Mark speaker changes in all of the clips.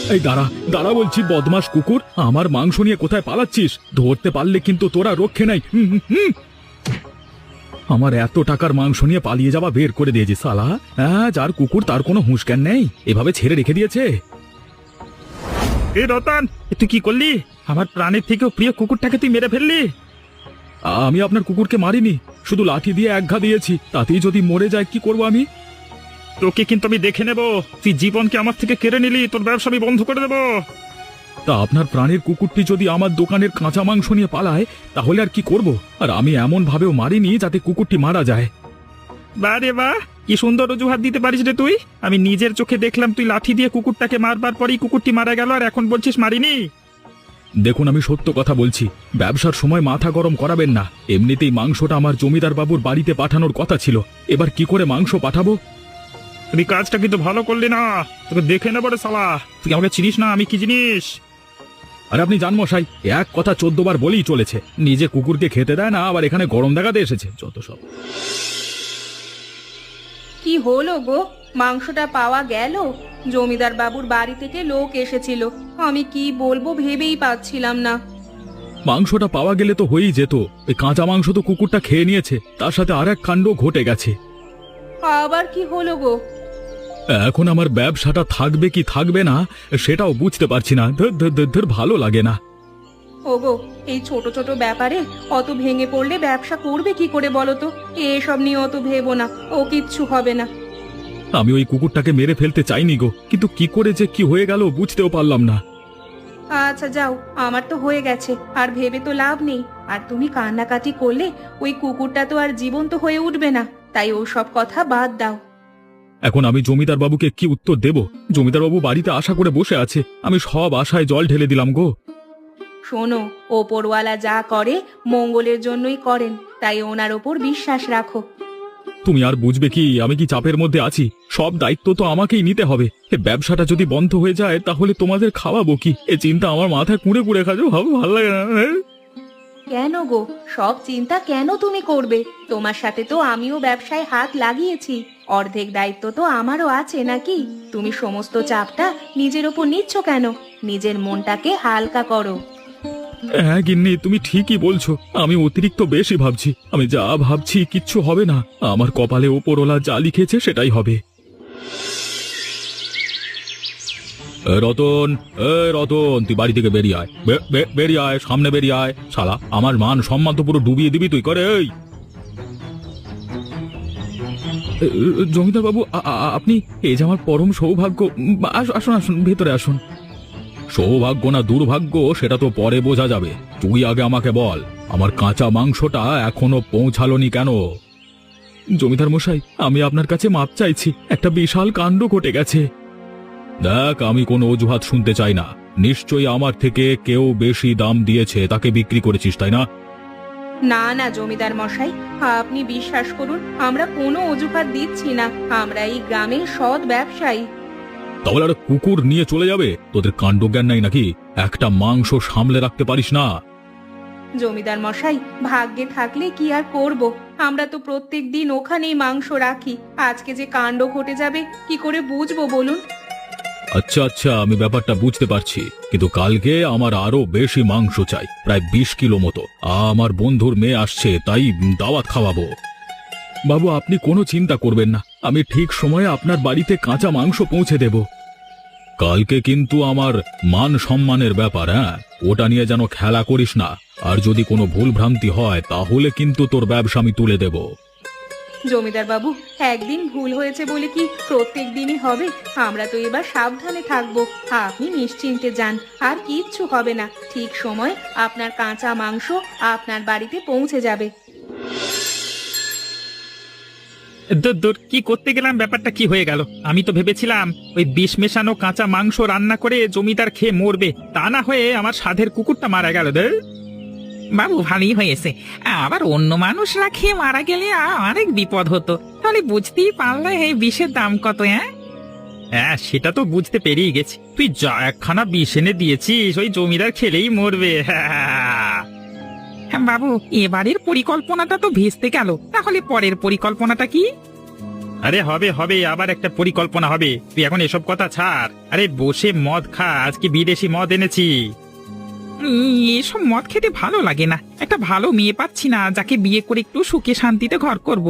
Speaker 1: এই দাঁড়া দাঁড়া বলছি, বদমাস কুকুর, আমার মাংস নিয়ে কোথায় পালাচ্ছিস? ধরতে পারলে কিন্তু তোরা রক্ষে নাই। আমার এত টাকার মাংস নিয়ে পালিয়ে যাওয়া বের করে দিয়েছি সালা। হ্যাঁ, যার কুকুর তার কোনো হুঁশ জ্ঞান নেই, এভাবে ছেড়ে রেখে দিয়েছে।
Speaker 2: এ রতন, তুই কি করলি? আমার প্রাণের থেকেও প্রিয় কুকুরটাকে তুই মেরে ফেললি।
Speaker 1: আমি আপনার কুকুরকে মারিনি, শুধু লাঠি দিয়ে এক ঘা দিয়েছি, তাতেই যদি মরে যায় কি করব আমি?
Speaker 2: তোকে কিন্তু আমি দেখে নেব। তুই জীবনকে আমার থেকে কেড়ে নিলি, তোর ব্যবসা আমি বন্ধ করে দেবো।
Speaker 1: তা আপনার প্রাণের কুকুরটি যদি আমার দোকানের কাঁচা মাংস নিয়ে পালায়, তাহলে আর কি করব? আর আমি এমন ভাবেও মারিনি যাতে কুকুরটি মারা যায়।
Speaker 2: বাহ রে বাহ, কি সুন্দর অজুহাত দিতে পারিস রে তুই। আমি নিজের চোখে দেখলাম তুই লাঠি দিয়ে কুকুরটাকে মারবার পরেই কুকুরটি মারা গেল, আর এখন বলছিস মারিনি।
Speaker 1: দেখুন, আমি সত্য কথা বলছি, ব্যবসার সময় মাথা গরম করাবেন না। এমনিতেই মাংসটা আমার জমিদার বাবুর বাড়িতে পাঠানোর কথা ছিল, এবার কি করে মাংস পাঠাবো?
Speaker 2: তুই কাজটা কিন্তু ভালো করলি না, তোকে দেখে নেবো রে শালা। তুই আমাকে চিনিস না আমি কি জিনিস।
Speaker 1: আর আপনি জান মশাই, এক কথা 14 বার বলেই চলেছে, নিজে কুকুরকে খেতে দেয় না, আবার এখানে গরম দেখাতে এসেছে, যত সব।
Speaker 3: কি হলো গো, মাংসটা পাওয়া গেল? জমিদার বাবুর বাড়ি থেকে লোক এসেছিল, আমি কি বলবো ভেবেই পাচ্ছিলাম না।
Speaker 1: মাংসটা পাওয়া গেলে তো হয়েই যেত, এই কাঁচা মাংস তো কুকুরটা খেয়ে নিয়েছে, তার সাথে আর এক কাণ্ড ঘটে গেছে।
Speaker 3: আবার কি হলো গো?
Speaker 1: এখন আমার ব্যবসাটা থাকবে কি থাকবে না সেটাও বুঝতে পারছি না। ধর ধর ধর ধর, ভালো লাগে না।
Speaker 3: ওগো, এই ছোট ছোট ব্যাপারে অত ভেঙে পড়লে ব্যবসা করবে কি করে বলো তো? এসব নিয়ে অত ভেবো না, ও কিচ্ছু হবে না।
Speaker 1: আমি ওই কুকুরটাকে মেরে ফেলতে চাইনি গো, কিন্তু কি করে যে কি হয়ে গেল বুঝতেও পারলাম না।
Speaker 3: আচ্ছা যাও, আমার তো হয়ে গেছে, আর ভেবে তো লাভ নেই। আর তুমি কান্নাকাটি করলে ওই কুকুরটা তো আর জীবন্ত হয়ে উঠবে না, তাই ও সব কথা বাদ দাও।
Speaker 1: এখন আমি জমিদার বাবুকে কি উত্তর দেব? জমিদার বাবু বাড়িতে আশা করে বসে আছে, আমি সব আশায় জল ঢেলে দিলাম গো।
Speaker 3: শোনো, ওপরওয়ালা যা করে মঙ্গলের জন্যই করেন, তাই ওনার ওপর বিশ্বাস রাখো।
Speaker 1: তুমি আর বুঝবে কি, আমি কি চাপের মধ্যে আছি? সব দায়িত্ব তো আমাকেই নিতে হবে। এ ব্যবসাটা যদি বন্ধ হয়ে যায় তাহলে তোমাদের খাওয়াবো কি? এ চিন্তা আমার মাথায় কুঁড়ে কুঁড়ে খাজো, ভালো লাগে না।
Speaker 3: কেন গো, সব চিন্তা কেন তুমি করবে? তোমার সাথে তো আমিও ব্যবসায় হাত লাগিয়েছি, অর্ধেক দায়িত্ব তো আমারও আছে নাকি? তুমি সমস্ত চাপটা নিজের ওপর নিচ্ছ কেন? নিজের মনটাকে হালকা করো।
Speaker 1: হ্যাঁ গিন্নি, তুমি ঠিকই বলছো, আমি অতিরিক্ত বেশি ভাবছি। আমি যা ভাবছি কিচ্ছু হবে না, আমার কপালে ওপরওয়ালা যা লিখেছে সেটাই হবে। রতন, রতন, তুই বাড়ি থেকে বেরিয়ে আয়, বেরিয়ে আয়, সামনে বেরিয়ে আয়। শালা, আমার মান সম্মান তো পুরো ডুবিয়ে দিবি তুই, করে। এই জমিদার বাবু, আপনি, এই যে আমার পরম সৌভাগ্য। আসুন আসুন, ভেতরে আসুন। সৌভাগ্য না দুর্ভাগ্য সেটা তো পরে বোঝা যাবে, তুই আগে আমাকে বল, আমার কাঁচা মাংসটা এখনো পৌঁছালোনি কেন? জমিদার মশাই, আমি আপনার কাছে মাপ চাইছি, একটা বিশাল কাণ্ড ঘটে গেছে। দেখ, আমি কোনো অজুহাত শুনতে চাই না। নিশ্চয়ই আমার থেকে কেউ বেশি দাম দিয়েছে, তাকে বিক্রি করেছিস, তাই না?
Speaker 3: না না জমিদার মশাই, আপনি বিশ্বাস করুন, আমরা কোনো অজুহাত দিচ্ছি না, আমরা এই গ্রামের সৎ ব্যবসায়ী।
Speaker 1: তাহলে আর কুকুর নিয়ে চলে যাবে? তোদের কাণ্ডজ্ঞান নাই নাকি? একটা মাংস সামলে রাখতে পারিস না?
Speaker 3: জমিদার মশাই, ভাগ্যে থাকলে কি আর করব, আমরা তো প্রত্যেক দিন ওখানেই মাংস রাখি। আজকে যে কাণ্ড ঘটে যাবে কি করে বুঝবো বলুন?
Speaker 1: আচ্ছা আচ্ছা, আমি ব্যাপারটা বুঝতে পারছি, কিন্তু কালকে আমার আরো বেশি মাংস চাই, প্রায় 20 কিলো মতো। আমার বন্ধুর মেয়ে আসছে, তাই দাওয়াত খাওয়াবো। বাবু, আপনি কোনো চিন্তা করবেন না, আমি ঠিক সময়ে আপনার বাড়িতে কাঁচা মাংস পৌঁছে দেব। কালকে কিন্তু আমার মান সম্মানের ব্যাপার, হ্যাঁ, ওটা নিয়ে যেন খেলা করিস না। আর যদি কোনো ভুল ভ্রান্তি হয় তাহলে কিন্তু তোর ব্যবসা আমি তুলে দেব।
Speaker 3: জমিদার বাবু, একদিন ভুল হয়েছে বলে কি প্রত্যেক দিনই হবে? আমরা তো এবার সাবধানে থাকবো, আপনি নিশ্চিন্তে যান, আর কিচ্ছু হবে না। ঠিক সময় আপনার কাঁচা মাংস আপনার বাড়িতে পৌঁছে যাবে।
Speaker 2: দূর দূর, কি করতে গেলাম, ব্যাপারটা কি হয়ে গেল? আমি তো ভেবেছিলাম ওই বিষ মেশানো কাঁচা মাংস রান্না করে জমিদার খেয়ে মরবে, তা না হয়ে আমার সাধের কুকুরটা মারা গেল।
Speaker 4: বাবু, ভালোই হয়েছে, আবার অন্য মানুষরা খেয়ে মারা গেলে অনেক বিপদ হতো। তাহলে বুঝতেই পারলে এই বিষের দাম কত।
Speaker 2: হ্যাঁ, সেটা তো বুঝতে পেরিয়ে গেছি। তুই যা একখানা বিষ এনে দিয়েছিস, ওই জমিদার খেলেই মরবে।
Speaker 4: বাবু, এবারের পরিকল্পনাটা তো ভেস্তে গেল, তাহলে পরের পরিকল্পনাটা কি?
Speaker 2: আরে হবে হবে, আবার একটা পরিকল্পনা হবে। তুই এখন এসব কথা ছাড়, আরে বসে মদ খা, আজকে বিদেশি মদ এনেছি।
Speaker 4: এসব মদ খেতে ভালো লাগে না, একটা ভালো মেয়ে পাচ্ছি না যাকে বিয়ে করে একটু সুখে শান্তিতে ঘর করব।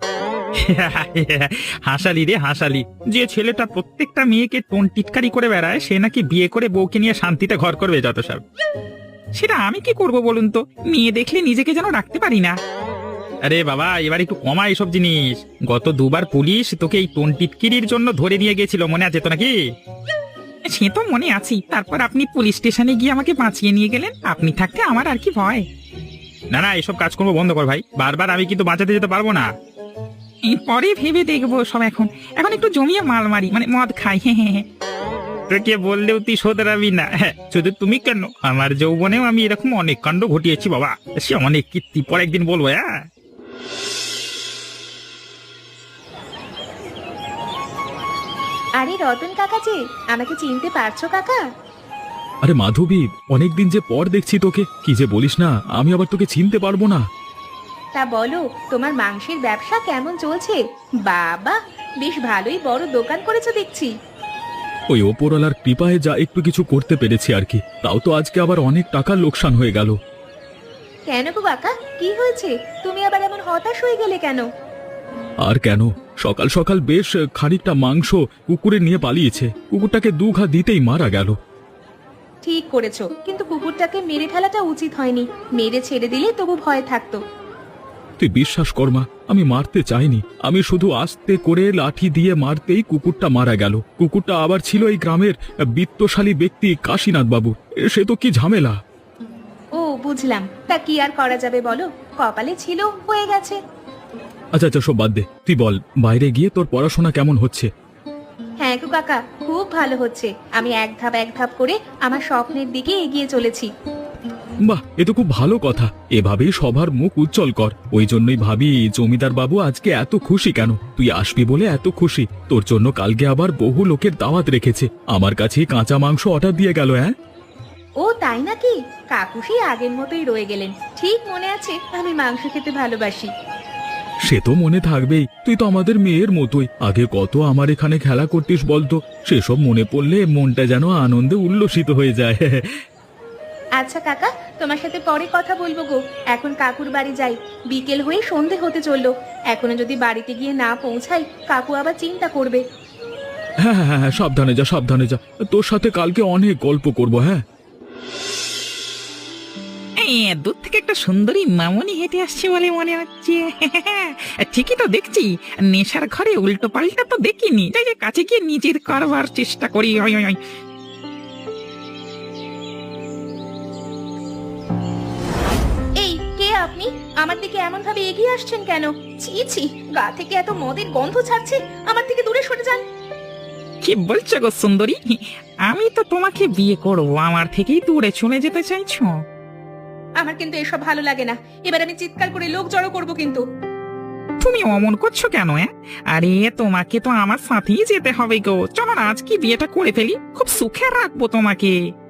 Speaker 2: হাসালি রে হাসালি, যে ছেলেটা প্রত্যেকটা মেয়েকে টোন টিটকারি করে বেড়ায় সে নাকি বিয়ে করে বউকে নিয়ে শান্তিতে ঘর করবে, যত সব।
Speaker 4: সেটা আমি কি করব বলুন তো, মেয়ে দেখলে নিজেকে যেন রাখতে পারি না।
Speaker 2: আরে বাবা, এবার একটু কমা এইসব জিনিস। গত দুবার পুলিশ তোকে এই টোন টিটকিরির জন্য ধরে নিয়ে গেছিল, মনে আছে তো নাকি?
Speaker 4: সে তো মনে আছি, তারপর আপনি পুলিশ স্টেশনে গিয়ে আমাকে বাঁচিয়ে নিয়ে গেলেন। আপনি থাকতে আমার আর কি ভয়।
Speaker 2: না না, এসব কাজকর্ম বন্ধ কর ভাই, বারবার আমি কিন্তু বাঁচাতে যেতে পারবো না।
Speaker 4: পরে ভেবে দেখবো সব, এখন এখন একটু জমিয়ে মাল মারি, মানে মদ খাই। হ্যাঁ,
Speaker 2: তোকে বললেও তুই শোধরাবি না। হ্যাঁ, শুধু তুমি কেন, আমার যৌবনেও আমি এরকম অনেক কাণ্ড ঘটিয়েছি বাবা, সে অনেক কীর্তি পর একদিন বলবো। হ্যাঁ,
Speaker 3: আরে রতন কাকা যে, আমাকে চিনতে পারছো কাকা?
Speaker 1: আরে মাধবী, অনেকদিন যে পর দেখছি তোকে, কি যে বলিস না, আমি আবার তোকে চিনতে পারবো না।
Speaker 3: তা বলো, তোমার মাংসের ব্যবসা কেমন চলছে? বাবা, বেশ ভালোই বড় দোকান করেছো দেখছি।
Speaker 1: ওই ওপরওয়ালার কৃপায় যা একটু কিছু করতে পেরেছি আর কি, তাও তো আজকে আবার অনেক টাকার লোকসান হয়ে গেল।
Speaker 3: কেন গো কাকা, কি হয়েছে? তুমি আবার এমন হতাশ হয়ে গেলে কেন?
Speaker 1: আর কেন, সকাল সকাল বেশ খানিকটা মাংস কুকুরে নিয়ে পালিয়েছে, কুকুরটাকে দু ঘা দিতেই মারা গেল।
Speaker 3: ঠিক করেছো, কিন্তু কুকুরটাকে মেরে ফেলাটা উচিত হয়নি। মেরে ছেড়ে দিলে তবু ভয় থাকতো।
Speaker 1: তুই বিশ্বাস কর মা, আমি মারতে চাইনি, আমি শুধু আস্তে করে লাঠি দিয়ে মারতেই কুকুরটা মারা গেল। কুকুরটা আবার ছিল এই গ্রামের বিত্তশালী ব্যক্তি কাশীনাথ বাবু, সে তো কি ঝামেলা।
Speaker 3: ও বুঝলাম, তা কি আর করা যাবে বলো, কপালে ছিল, হয়ে গেছে।
Speaker 1: আচ্ছা আচ্ছা, সব বাদ দে, তুই বল বাইরে গিয়ে তোর পড়াশোনা কেমন হচ্ছে?
Speaker 3: হ্যাঁ গো কাকা, খুব ভালো হচ্ছে। আমি এক ধাপ করে আমার স্বপ্নের দিকে এগিয়ে চলেছি।
Speaker 1: বাহ, এ তো খুব ভালো কথা, এভাবেই সবার মুখ উজ্জ্বল কর। ওই জন্যই ভাবি জমিদার বাবু আজকে এত খুশি কেন, তুই আসবি বলে এত খুশি। তোর জন্য কালকে আবার বহু লোকের দাওয়াত রেখেছে, আমার কাছে কাঁচা মাংস অর্ডার দিয়ে গেল। হ্যাঁ,
Speaker 3: ও তাই নাকি? কাকু সেই আগের মতোই রয়ে গেলেন। ঠিক মনে আছে আমি মাংস খেতে ভালোবাসি।
Speaker 1: সে তো মনে থাকবেই, তুই তো আমাদের মেয়ের মতোই। আগে কত আমার এখানে খেলা করতিস বলতো, সেসব মনে পড়লে মনটা যেন আনন্দে উল্লসিত হয়ে যায়।
Speaker 3: আচ্ছা কাকা, তোমার সাথে পরে কথা বলবো গো। এখন কাকুর বাড়ি যাই, বিকেল হয়ে সন্ধে হতে চললো। এখনো যদি বাড়িতে গিয়ে না পৌঁছাই, কাকু আবার চিন্তা করবে।
Speaker 1: হ্যাঁ হ্যাঁ হ্যাঁ, সাবধানে যা সাবধানে যা, তোর সাথে কালকে অনেক গল্প করবো। হ্যাঁ,
Speaker 4: দূর থেকে একটা সুন্দরী মামনি হেঁটে আসছে বলে মনে হচ্ছে। ঠিকই তো দেখছি, নেশার ঘরে উল্টো পাল্টা তো দেখিনি। যাই যাই, কাছে গিয়ে নিজের করবার চেষ্টা করি। ওই ওই ওই।
Speaker 3: এই কে আপনি? আমার দিকে এমন ভাবে এগিয়ে আসছেন কেন? ছি ছি, গা থেকে এত মদের গন্ধ ছাড়ছে, আমার থেকে দূরে সরে যান।
Speaker 4: কি বলছো গো সুন্দরী, আমি তো তোমাকে বিয়ে করবো, আমার থেকেই দূরে চলে যেতে চাইছো?
Speaker 3: আমার কিন্তু এসব ভালো লাগে না। এবার আমি চিৎকার করে লোক জড়ো করবো কিন্তু।
Speaker 4: তুমি অমন করছো কেন? আরে তোমাকে তো আমার সাথেই যেতে হবে গো, চলো না আজকে বিয়েটা করে ফেলি, খুব সুখে রাখবো তোমাকে।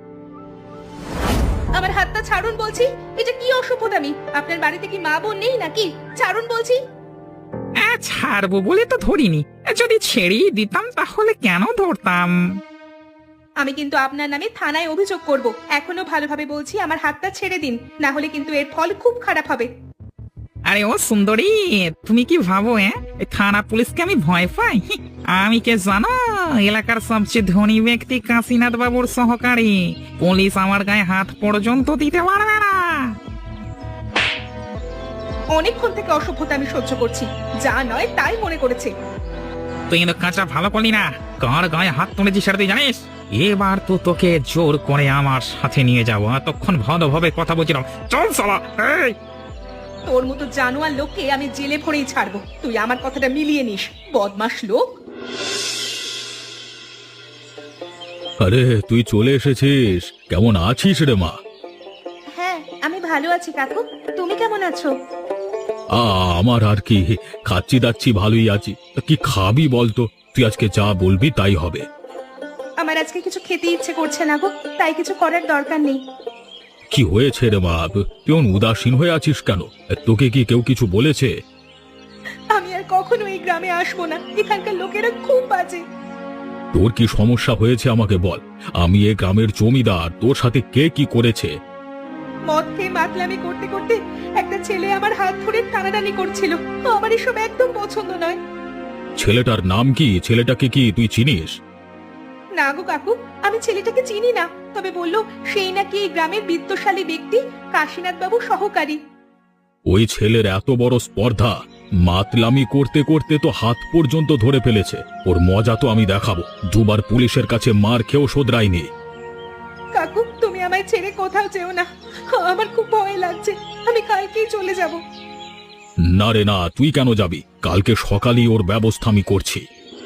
Speaker 3: আমার হাতটা ছাড়ুন বলছি। এটা কি অসভ্যতামি? আপনার বাড়িতে কি মা বোন নেই নাকি? ছাড়ুন বলছি।
Speaker 4: ছাড়বো বলে তো ধরিনি, যদি ছেড়েই দিতাম তাহলে কেন ধরতাম?
Speaker 3: আমি কিন্তু আপনার নামে থানায় অভিযোগ করব। এখনো ভালোভাবে বলছি, আমার হাতটা ছেড়ে দিন, না হলে কিন্তু এর ফল খুব খারাপ হবে।
Speaker 4: আরে ও সুন্দরী, তুমি কি ভাবো এই থানা পুলিশকে আমি ভয় পাই? আমি কে জানো, এলাকার সবচেয়ে ধনী ব্যক্তি কাশীনাথ বাবুর সহকারী। পুলিশ আমার গায়ে হাত পর্যন্ত দিতে পারবে না।
Speaker 3: অনেকক্ষণ থেকে অসভ্যতা আমি সহ্য করছি, যা নয় তাই মনে করেছে।
Speaker 4: তুই কিন্তু কাঁচা ভালো করলি না, কার গায়ে হাত তুলেছি সেটা তুই জানিস? এবার তো তোকে জোর করে আমার সাথে নিয়ে যাবো, এতক্ষণ ভালোভাবে কথা বলছিলাম। চল সালা। এই
Speaker 3: তোর মতো জানোয়ার লোককে আমি জেলে ভরেই ছাড়বো। তুই আমার কথাটা মিলিয়ে নিস, বদমাশ লোক।
Speaker 1: আরে তুই চলে এসেছিস, কেমন আছিস রে মা?
Speaker 3: হ্যাঁ, আমি ভালো আছি কাকু, তুমি কেমন আছো?
Speaker 1: আমার আর কি, খাচ্ছি দাচ্ছি ভালোই আছি। তা কি খাবি বলতো, তুই আজকে যা বলবি তাই হবে।
Speaker 3: আমার আজকে কিছু খেতে ইচ্ছে করছে না গো, তাই কিছু করার দরকার নেই।
Speaker 1: কি হয়েছে রে মা, তুই উদাসীন হয়ে আছিস কেন? তোকে কি কেউ কিছু বলেছে?
Speaker 3: আমি আর কখনো এই গ্রামে আসবো না, এখানকার লোকেরা খুব বাজে।
Speaker 1: তোর কি সমস্যা হয়েছে আমাকে বল। আমি এ গ্রামের জমিদার, তোর সাথে কে কি করেছে?
Speaker 3: মদ খেয়ে মাতলামি করতে করতে একটা ছেলে আমার হাত ধরে টানাটানি করছিল, আমার এসব একদম পছন্দ নয়।
Speaker 1: ছেলেটার নাম কি? ছেলেটাকে কি তুই চিনিস?
Speaker 3: না গো কাকু, আমি ছেলেটাকে চিনি না, তবে বললো সেই নাকি এই গ্রামের বিত্তশালী ব্যক্তি কাশীনাথ বাবু সহকারী।
Speaker 1: ওই ছেলের এত বড় স্পর্ধা, মাতলামি করতে করতে তো হাত পর্যন্ত ধরে ফেলেছে। ওর মজা তো আমি দেখাবো। দুবার পুলিশের কাছে মার খেয়েও শোধরায়নি।
Speaker 3: কাকু, তুমি আমায় ছেড়ে কোথাও যেও না, আমার খুব ভয় লাগছে। আমি কালকেই চলে যাব।
Speaker 1: না রে না, তুই কেন যাবি? কালকে সকালেই ওর ব্যবস্থা আমি করছি।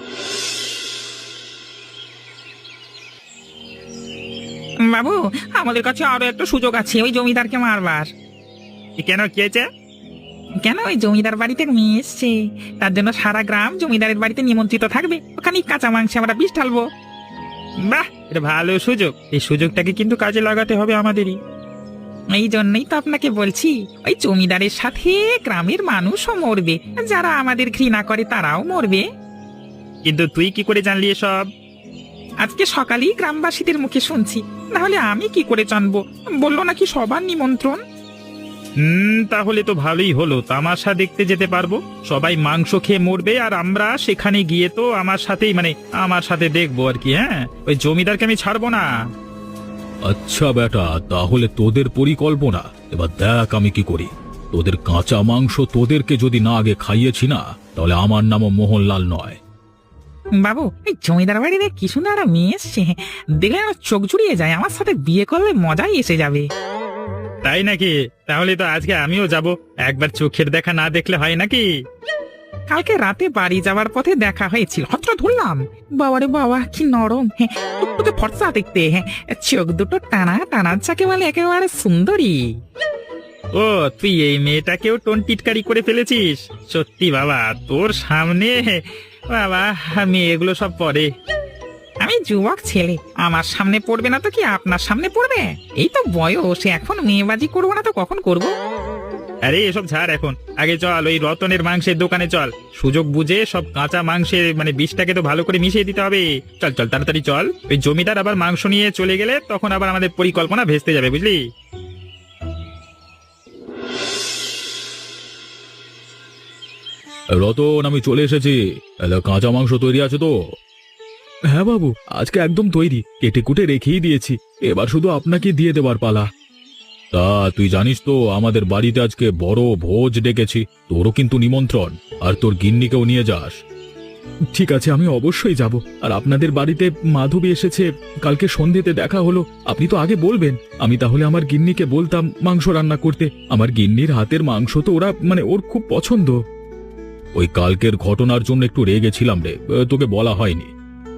Speaker 4: বাবু, আমাদের কাছে আরো একটা সুযোগ আছে ওই জমিদারকে মারবার।
Speaker 2: কেন, কি হয়েছে?
Speaker 4: কেন, ওই জমিদার বাড়িতে মেয়ে এসছে, তার জন্য সারা গ্রাম জমিদারের বাড়িতে নিমন্ত্রিত থাকবে। ওখানে কাঁচা মাংসে আমরা বিষ ঢালবো।
Speaker 2: বাহ, এটা ভালো সুযোগ। এই সুযোগটাকে কিন্তু কাজে লাগাতে হবে আমাদেরই।
Speaker 4: এই জন্যই তো আপনাকে বলছি, ওই জমিদারের সাথে গ্রামের মানুষও মরবে, যারা আমাদের ঘৃণা করে তারাও মরবে।
Speaker 2: কিন্তু তুই কি করে জানলি এসব?
Speaker 4: আজকে সকালেই গ্রামবাসীদের মুখে শুনছি, নাহলে আমি কি করে জানবো? বললো নাকি সবার নিমন্ত্রণ।
Speaker 2: তাহলে তো ভালোই হলো, তামাশা দেখতে যেতে পারবো। সবাই মাংস খেয়ে মরবে আর আমরা সেখানে গিয়ে তো আমার সাথে দেখবো আর কি। হ্যাঁ, ওই জমিদারকে আমি ছাড়বো না।
Speaker 1: আচ্ছা বেটা, তাহলে তোদের পরিকল্পনা এবার দেখ আমি কি করি। তোদের কাঁচা মাংস তোদেরকে যদি না আগে খাইয়েছি না, তাহলে আমার নামও মোহনলাল নয়।
Speaker 4: বাবু, এই জমিদার বাড়িতে কি সুন্দর একটা মেয়ে এসছে, দেখলে আমার চোখ জুড়িয়ে যায়। আমার সাথে বিয়ে করলে মজাই এসে যাবে।
Speaker 2: তাই নাকি? তাহলে তো আজকে আমিও যাব। একবার চোখের দেখা না দেখলে হয় নাকি?
Speaker 4: কালকে রাতে বাড়ি যাওয়ার পথে দেখা হয়েছিল, হত্র ধরলাম। বাবারে বাবা, কি নরম, হ্যাঁ, টুকটুকে ফর্সা দেখতে, হ্যাঁ, চোখ দুটো টানা টানা, যাকে বলে একেবারে সুন্দরী।
Speaker 2: ও, তুই এই মেয়েটাকেও টোন টিটকারি করে ফেলেছিস? সত্যি বাবা, তোর সামনে বাবা আমি এগুলো সব পরে।
Speaker 4: আমি যুবক ছেলে, আমার সামনে পড়বে না তো কি আপনার সামনে পড়বে? এই তো বয়স, এখন মেয়েবাজি করবো না তো কখন করব?
Speaker 2: আরে এসব ছাড় এখন, আগে চল ওই রতনের মাংসের দোকানে চল। সুযোগ বুঝে সব কাঁচা মাংসের বিষটাকে তো ভালো করে মিশিয়ে দিতে হবে। চল চল, তাড়াতাড়ি চল। ওই জমিদার আবার মাংস নিয়ে চলে গেলে তখন আবার আমাদের পরিকল্পনা ভেস্তে যাবে, বুঝলি?
Speaker 1: রতন, আমি চলে এসেছি। কাঁচা মাংস তৈরি আছে তো? হ্যাঁ বাবু, আজকে একদম তৈরি, কেটে কুটে রেখেই দিয়েছি। এবার শুধু আপনাকে দিয়ে দেবার পালা। তা তুই জানিস তো আমাদের বাড়িতে আজকে বড় ভোজ ডেকেছি। তোরও কিন্তু নিমন্ত্রণ, আর তোর গিন্নিকেও নিয়ে যাস। ঠিক আছে, আমি অবশ্যই যাব। আর আপনাদের বাড়িতে মাধবী এসেছে, কালকে সন্ধ্যেতে দেখা হলো। আপনি তো আগে বলবেন, আমি তাহলে আমার গিন্নিকে বলতাম মাংস রান্না করতে। আমার গিন্নির হাতের মাংস তো ওর খুব পছন্দ। ওই কালকের ঘটনার জন্য একটু রেগেছিলাম রে, তোকে বলা হয়নি।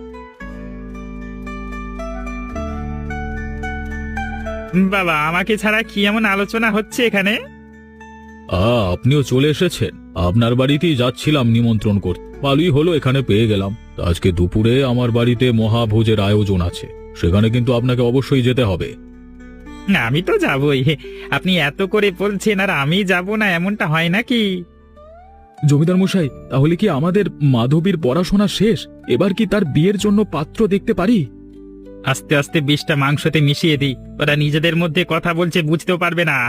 Speaker 2: বাবা, আমাকে ছাড়া কি এমন আলোচনা হচ্ছে এখানে?
Speaker 1: আপনিও চলে এসেছেন। আপনার বাড়িতেই যাচ্ছিলাম নিমন্ত্রণ করতে, ভালোই হলো এখানে পেয়ে গেলাম। তা আজকে দুপুরে আমার বাড়িতে মহাভোজের আয়োজন আছে, সেখানে কিন্তু আপনাকে অবশ্যই যেতে হবে।
Speaker 2: আমি তো যাবই, আপনি এত করে বলছেন আর আমি যাব না, এমনটা হয় নাকি?
Speaker 1: জমিদার মশাই, তাহলে কি আমাদের মাধবীর পড়াশোনা শেষ? এবার কি তার বিয়ের জন্য পাত্র দেখতে পারি?
Speaker 2: আস্তে আস্তে বিষটা মাংসতে মিশিয়ে দিই, ওরা নিজেদের মধ্যে কথা বলছে, বুঝতেও পারবে না।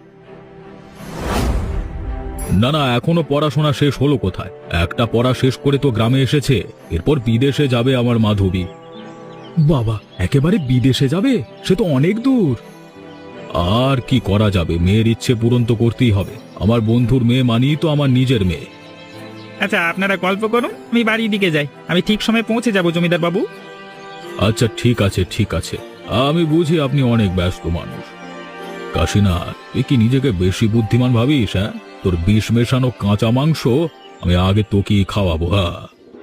Speaker 1: না না, এখনো পড়াশোনা শেষ হলো কোথায়? একটা পড়া শেষ করে তো গ্রামে এসেছে, এরপর বিদেশে যাবে আমার মাধবী। বাবা, একেবারে বিদেশে যাবে? সে তো অনেক দূর। আর কি করা যাবে, মেয়ের ইচ্ছে পূরণ তো করতেই হবে। আমার বন্ধুর মেয়ে মানেই তো আমার নিজের মেয়ে।
Speaker 2: আচ্ছা, আপনারা গল্প করুন, আমি বাড়ির দিকে যাই। আমি ঠিক সময় পৌঁছে যাব জমিদার বাবু।
Speaker 1: আচ্ছা ঠিক আছে ঠিক আছে, আমি বুঝি আপনি অনেক ব্যস্ত মানুষ। কাশিনা, তুই কি নিজেকে বেশি বুদ্ধিমান ভাবিস? হ্যাঁ, তোর বিষ মেশানো কাঁচা মাংস আমি আগে তোকেই খাওয়াবো। হ্যাঁ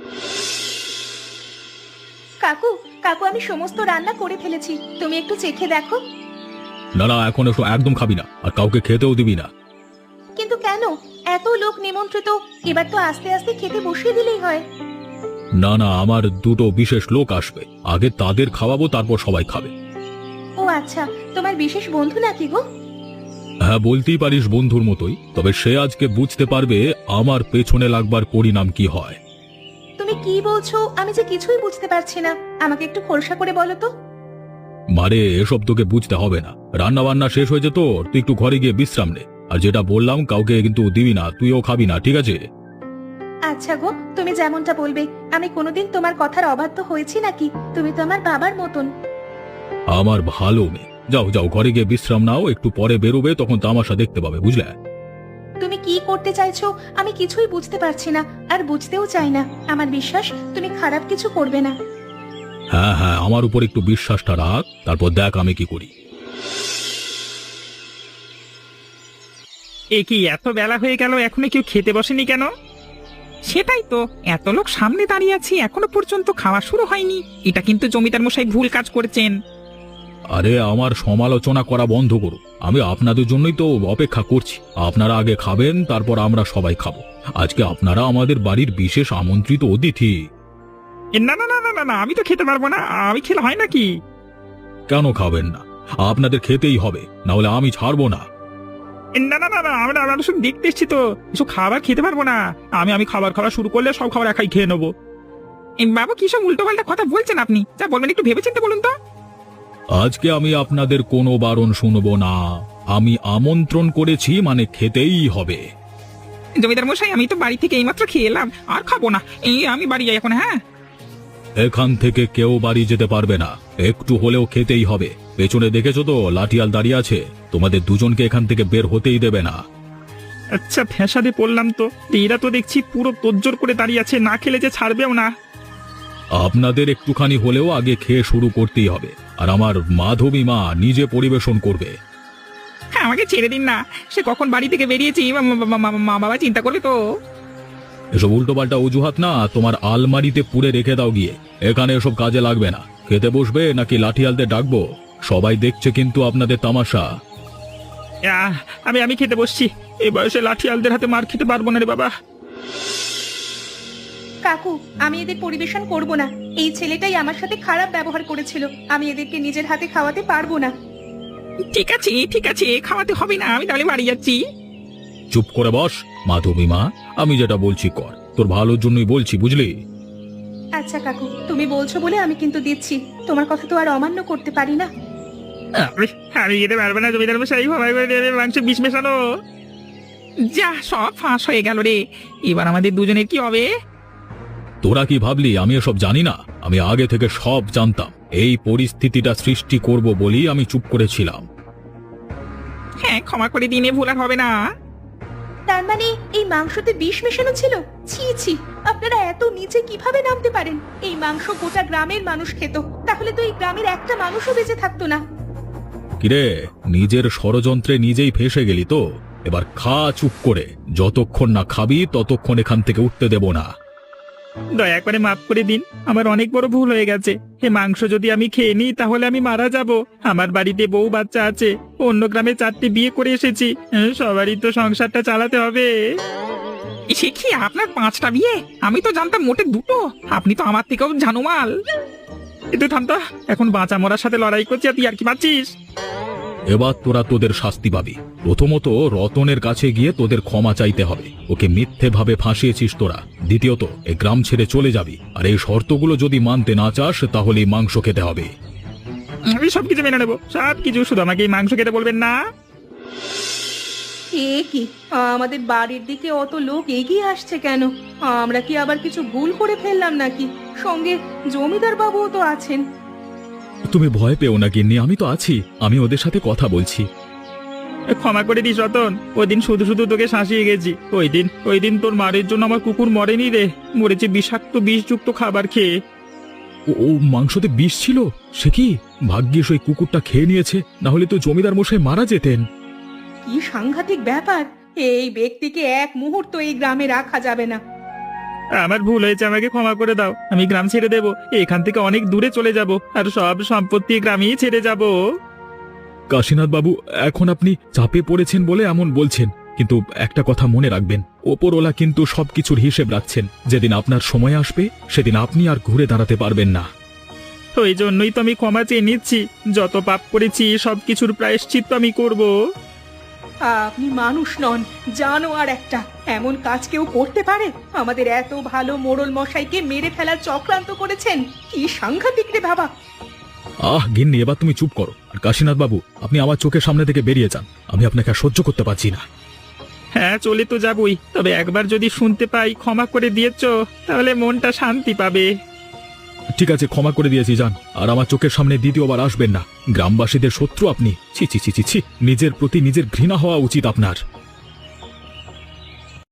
Speaker 3: কাকু, কাকু, আমি সমস্ত রান্না করে ফেলেছি, তুমি একটু চেখে দেখো।
Speaker 1: না না, এখন একদম খাবি না, আর কাউকে খেতেও দিবি না।
Speaker 3: কিন্তু কেন? এত লোক নিমন্ত্রিত, এবার তো আস্তে আস্তে খেতে বসিয়ে দিলেই হয়।
Speaker 1: না না, আমার দুটো বিশেষ লোক আসবে, আগে তাদের খাওয়াবো, তারপর সবাই খাবে।
Speaker 3: ও আচ্ছা, তোমার বিশেষ বন্ধু নাকি গো?
Speaker 1: হ্যাঁ, বলতেই পারিস বন্ধুর মতোই, তবে সে আজকে বুঝতে পারবে আমার পেছনে লাগবার পরিণাম কি হয়।
Speaker 3: তুমি কি বলছো আমি যে কিছুই বুঝতে পারছি না, আমাকে একটু খোলসা করে বলো তো।
Speaker 1: মারে, এসব তোকে বুঝতে হবে না। রান্না বান্না শেষ হয়েছে তোর, তুই একটু ঘরে গিয়ে বিশ্রাম নে। আর যেটা বললাম কাউকে কিন্তু দিবি না, তুইও খাবি না, ঠিক আছে?
Speaker 3: আচ্ছা গো, তুমি যেমনটা বলবে। আমি কোনোদিন তোমার কথার অবাধ্য হয়েছি নাকি? তুমি তো আমার বাবার মতন।
Speaker 1: আমার ভালো মেয়ে, যাও যাও ঘরে গিয়ে বিশ্রাম নাও, একটু পরে বেরোবে, তখন তামাশা দেখতে পাবে, বুঝলে?
Speaker 3: তুমি কি করতে চাইছো আমি কিছুই বুঝতে পারছি না, আর বুঝতেও চাই না। আমার বিশ্বাস তুমি খারাপ কিছু করবে না।
Speaker 1: হ্যাঁ হ্যাঁ, আমার উপর একটু বিশ্বাসটা রাখ, তারপর দেখ আমি কি করি।
Speaker 2: এ কি এত বেলা হয়ে গেল, এখনো কেউ খেতে বসেনি কেন?
Speaker 4: সেটাই তো, এত লোক সামনে দাঁড়িয়ে আছি এখনো পর্যন্ত খাওয়া শুরু হয়নি। এটা কিন্তু জমিদার মশাই ভুল কাজ করেছেন।
Speaker 1: আরে আমার সমালোচনা করা বন্ধ করো, আমি আপনাদের জন্যই তো অপেক্ষা করছি। আপনারা আগে খাবেন, তারপর আমরা সবাই খাবো। আজকে আপনারা আমাদের বাড়ির বিশেষ আমন্ত্রিত অতিথি।
Speaker 2: না না না না না না, আমি তো খেতে পারবো না, আমি খেলে হয় নাকি?
Speaker 1: কেন খাবেন না? আপনাদের খেতেই হবে, না হলে আমি ছাড়বো না।
Speaker 2: না না না না, আমরা শুধু দেখতে এসছি তো, এসব খাবার খেতে পারবো না। আমি খাবার খাওয়া শুরু করলে সব খাবার একাই খেয়ে নেবো।
Speaker 4: বাবু কি সব উল্টো পাল্টা কথা বলছেন আপনি? যা বলবেন একটু ভেবেচিন্তে বলুন তো।
Speaker 1: আজকে আমি আপনাদের কোনো বারণ শুনবো না। আমি আমন্ত্রণ করেছি মানে খেতেই হবে।
Speaker 4: জমিদার মশাই, আমি তো বাড়ি থেকে এইমাত্র খেয়ে এলাম, আর খাবো না। আমি বাড়ি যাই এখন। হ্যাঁ,
Speaker 1: এখান থেকে কেউ বাড়ি যেতে পারবে না, একটু হলেও খেতেই হবে। পেছনে দেখেছো তো লাঠিয়াল দাঁড়িয়ে আছে, তোমাদের দুজনকে এখান থেকে বের হতেই দেবে না।
Speaker 2: আচ্ছা, ফ্যাসাদে পড়লাম তো। এরা তো দেখছি পুরো তোজ্জোর করে দাঁড়িয়ে আছে, না খেলে যে ছাড়বেও না।
Speaker 1: আপনাদের একটুখানি হলেও আগে খেয়ে শুরু করতেই হবে। আর আমার মাধবী মা নিজে পরিবেশন করবে।
Speaker 4: হ্যাঁ, আমাকে ছেড়ে দিন না। সে কখন বাড়ি থেকে বেরিয়েছি, মা বাবা চিন্তা করবে তো।
Speaker 1: এসব উল্টোপাল্টা অজুহাত না, তোমার আলমারিতে পুড়ে রেখে দাও গিয়ে। এখানে এসব কাজে লাগবে না। খেতে বসবে নাকি লাঠিয়ালদের ডাকবো? সবাই দেখছে কিন্তু আপনাদের তামাশা।
Speaker 2: আমি খেতে বসছি। এই বয়সে লাঠিয়ালদের হাতে মার খেতে পারবো না রে বাবা।
Speaker 3: কাকু, আমি এদের পরিবেশন করব না। এই ছেলেটাই আমার সাথে খারাপ ব্যবহার করেছিল। আমি এদেরকে নিজের হাতে খাওয়াতে পারবো না।
Speaker 4: ঠিক আছে ঠিক আছে, খাওয়াতে হবে না, আমি তাহলে বাড়ি যাচ্ছি।
Speaker 1: চুপ করে বস মাধবী মা, আমি যেটা বলছি কর, তোর ভালোর জন্যই বলছি, বুঝলি?
Speaker 3: আচ্ছা কাকু, তুমি বলছো বলে আমি কিন্তু দিচ্ছি। তোমার কথা তো আর অমান্য করতে পারি না।
Speaker 2: আমি খেতে পারবো না, জমিদার মশাই ক্ষমাই করে দেবে, মাংস বিষ মেশানো।
Speaker 4: যা, সব ফাঁস হয়ে গেল রে। এবার আমাদের দুজনের কি হবে?
Speaker 1: তোরা কি ভাবলি আমি এসব জানি না? আমি আগে থেকে সব জানতাম। এই পরিস্থিতিটা সৃষ্টি করব বলেই আমি চুপ করেছিলাম।
Speaker 4: হ্যাঁ, ক্ষমা করে দিনে ভুল আর হবে না।
Speaker 3: তার মানে এই মাংসতে বিষ মেশানো ছিল? ছি ছি, আপনারা এত নিচে কিভাবে নামতে পারেন? এই মাংস গোটা গ্রামের মানুষ খেত, তাহলে তো এই গ্রামের একটা মানুষও বেঁচে থাকতো না।
Speaker 1: কিরে, নিজের ষড়যন্ত্রে নিজেই ফেঁসে গেলি তো? এবার খা চুপ করে। যতক্ষণ না খাবি ততক্ষণ এখান থেকে উঠতে দেব না।
Speaker 2: দয়া করে মাফ করে দিন, আমার অনেক বড় ভুল হয়ে গেছে। এ মাংস যদি আমি খেয়ে নিই তাহলে আমি মারা যাব। আমার বাড়িতে বউ বাচ্চা আছে, অন্য গ্রামে 4টে বিয়ে করে এসেছি, সবারই তো সংসারটা চালাতে হবে।
Speaker 4: সে কি, আপনার 5টা বিয়ে? আমি তো জানতাম মোটে 2টো। আপনি তো আমার থেকেও জানুমাল।
Speaker 2: কিন্তু থামতো, এখন বাঁচা মরার সাথে লড়াই করছি আর তুই আর কি পাচ্ছিস?
Speaker 1: এবার তোরা তোদের শাস্তি পাবি। প্রথমত রতনের কাছে গিয়ে তোদের ক্ষমা চাইতে হবে। ওকে মিথ্যেভাবে ফাঁসিয়েছিস তোরা। দ্বিতীয়ত এই গ্রাম ছেড়ে চলে যাবি, আর এই শর্তগুলো যদি মানতে না চাস তাহলে এই মাংস খেতে হবে।
Speaker 2: আমি সবকিছু মেনে নেবো, সবকিছু, শুধু আমাকে এই মাংস খেতে বলবেন না।
Speaker 3: এ কি, আমাদের বাড়ির দিকে অত লোক এগিয়ে আসছে কেন? আমরা কি আবার কিছু ভুল করে ফেললাম নাকি? সঙ্গে জমিদার বাবুও তো আছেন।
Speaker 1: তুমি ভয় পেও না গিন্নি, আমি তো আছি। আমি ওদের সাথে কথা বলছি।
Speaker 2: ক্ষমা করে দিস রতন, ওই দিন শুধু শুধু তোকে শাসিয়ে গেছি। ওই দিন তোর মারের জন্য আমার কুকুর মরেনি রে, মরেছে বিষাক্ত বিষযুক্ত খাবার খেয়ে।
Speaker 1: ও মাংসতে বিষ ছিল? সে কি, ভাগ্যিস ওই কুকুরটা খেয়ে নিয়েছে, না হলে তো জমিদার মশাই মারা যেতেন।
Speaker 3: কি সাংঘাতিক ব্যাপার! এই ব্যক্তিকে এক মুহূর্ত এই গ্রামে রাখা যাবে না।
Speaker 2: আমার ভুল হয়েছে, আমাকে ক্ষমা করে দাও। আমি গ্রাম ছেড়ে দেব, এখান থেকে অনেক দূরে চলে যাব, আর সব সম্পত্তি গ্রামেই ছেড়ে যাব।
Speaker 1: কাশীনাথ বাবু, এখন আপনি চাপে পড়েছেন বলে এমন বলছেন, কিন্তু একটা কথা মনে রাখবেন, ওপরওয়ালা কিন্তু সবকিছুর হিসেব রাখছেন। যেদিন আপনার সময় আসবে সেদিন আপনি আর ঘুরে দাঁড়াতে পারবেন না।
Speaker 2: ওই জন্যই তো আমি ক্ষমা চেয়ে নিচ্ছি। যত পাপ করেছি সবকিছুর প্রায়শ্চিত্ত আমি করব।
Speaker 3: আপনি মানুষ নন, জানোয়ার একটা। এমন কাজ কেউ করতে পারে? আমাদের এত ভালো মোড়ল মশাইকে মেরে ফেলার চক্রান্ত করেছেন। কি সাংঘাতিক রে বাবা!
Speaker 1: গিন্নি, এবার তুমি চুপ করো। আর কাশীনাথ বাবু, আপনি আমার চোখের সামনে থেকে বেরিয়ে যান। আমি আপনাকে আর সহ্য করতে পারছি না।
Speaker 2: হ্যাঁ, চলে তো যাবই, তবে একবার যদি শুনতে পাই ক্ষমা করে দিয়েছো তাহলে মনটা শান্তি পাবে।
Speaker 1: ঠিক আছে, ক্ষমা করে দিয়েছি, যান। আর আমার চোখের সামনে দ্বিতীয়বার আসবেন না। গ্রামবাসীদের শত্রু আপনি। ছি ছি ছি ছি ছি, নিজের প্রতি নিজের ঘৃণা হওয়া উচিত আপনার।